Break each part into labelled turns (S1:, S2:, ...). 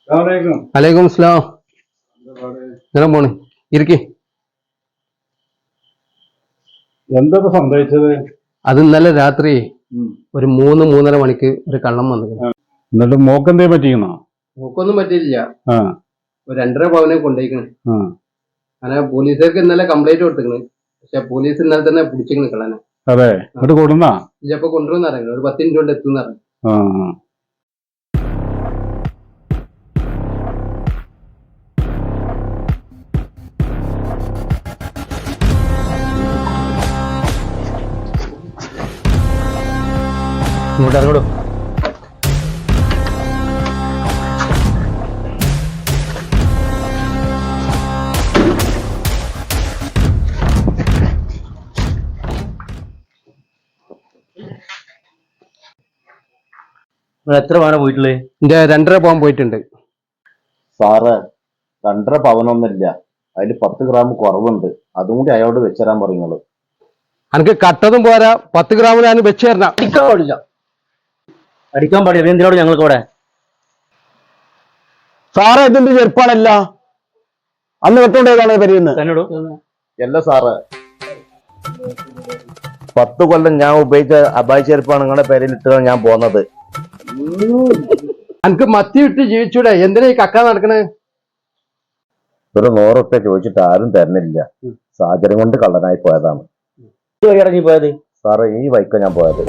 S1: വലൈക്കും അസ്സലാം. ഇങ്ങനെ പോണ് ഇരിക്കെ.
S2: എന്താ സംഭവിച്ചത്?
S1: അത് ഇന്നലെ രാത്രി ഒരു 3-3:30 മണിക്ക് ഒരു കള്ളം വന്നു.
S2: എന്നിട്ട് മോക്കെന്തേ പറ്റിക്കണോ?
S1: നോക്കൊന്നും പറ്റിയില്ല. ഒരു 2.5 പവനെ കൊണ്ടുപോയിക്കണ്. അങ്ങനെ പോലീസുകാർക്ക് ഇന്നലെ കംപ്ലൈന്റ് കൊടുത്തിക്കണ്. പക്ഷെ പോലീസ് ഇന്നലെ തന്നെ പിടിച്ചിക്കണ് കള്ളനെ.
S2: അതെ, എന്നിട്ട് കൊടുന്നാ
S1: ഇപ്പൊ കൊണ്ടുവന്ന് അറിയാം. ഒരു 10 മിനിറ്റ് കൊണ്ട് എത്തുന്ന അറിയാം.
S3: ഇങ്ങോട്ട് ഇറങ്ങോളൂ. എത്ര പവനാ പോയിട്ടുള്ളത്?
S1: എന്റെ 2.5 പവൻ പോയിട്ടുണ്ട്
S3: സാറ്. 2.5 പവനൊന്നുമില്ല, അതിൽ 10 ഗ്രാം കുറവുണ്ട്. അതും കൂടി അയാളോട് വെച്ചരാൻ പറയുന്നത്.
S1: എനിക്ക് കട്ടതും പോരാ, 10 ഗ്രാം ഞാൻ വെച്ച് തരണം.
S3: അടിക്കാൻ പാടില്ല. എന്തിനോട് ഞങ്ങൾക്ക് ഇവിടെ
S4: സാറേ ഇതിന്റെ ചെറുപ്പാണല്ല അന്ന് വെട്ടോണ്ടേതാണ് പരിയുന്നത്
S3: തന്നോട് അല്ല സാറ്. 10 കൊല്ലം ഞാൻ ഉപയോഗിച്ച അബായ് ചെരുപ്പാണ് നിങ്ങളുടെ പേരിൽ ഇട്ടാണ് ഞാൻ പോന്നത്.
S1: എനിക്ക് മത്തി വിട്ട് ജീവിച്ചൂടെ? എന്തിനാ ഈ കക്ക നടക്കണേ?
S3: ഒരു 100 റുപ്യ ചോദിച്ചിട്ട് ആരും തരുന്നില്ല. സാഹചര്യം കൊണ്ട് കള്ളനായി പോയതാണ്. നീ പോയത് സാറേ? ഈ വൈക്ക ഞാൻ പോയത്.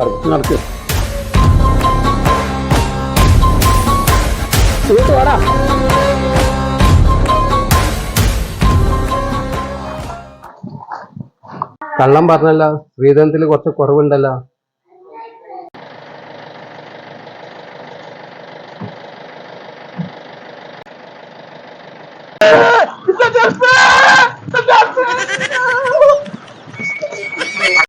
S1: കള്ളം പറഞ്ഞല്ല, സ്ത്രീധനത്തിൽ കുറച്ച് കുറവുണ്ടല്ലോ.
S4: ചെറുപ്പ്